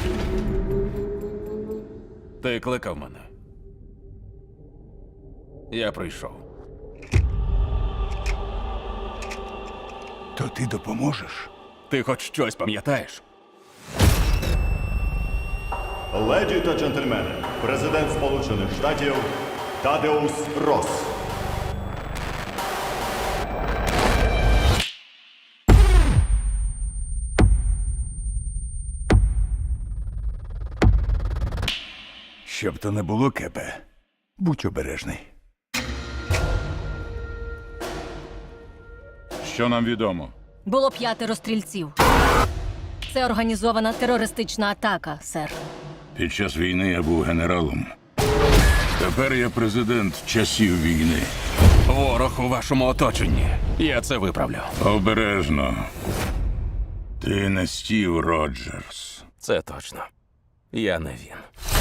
Ти кликав мене. Я прийшов. То ти допоможеш? Ти хоч щось пам'ятаєш? Леді та джентльмени, президент Сполучених Штатів Тадеус Росс. Щоб то не було, Кепе, будь обережний. Що нам відомо? Було 5 стрільців. Це організована терористична атака, сер. Під час війни я був генералом. Тепер я президент часів війни. Ворог у вашому оточенні. Я це виправлю. Обережно. Ти не Стів Роджерс. Це точно. Я не він.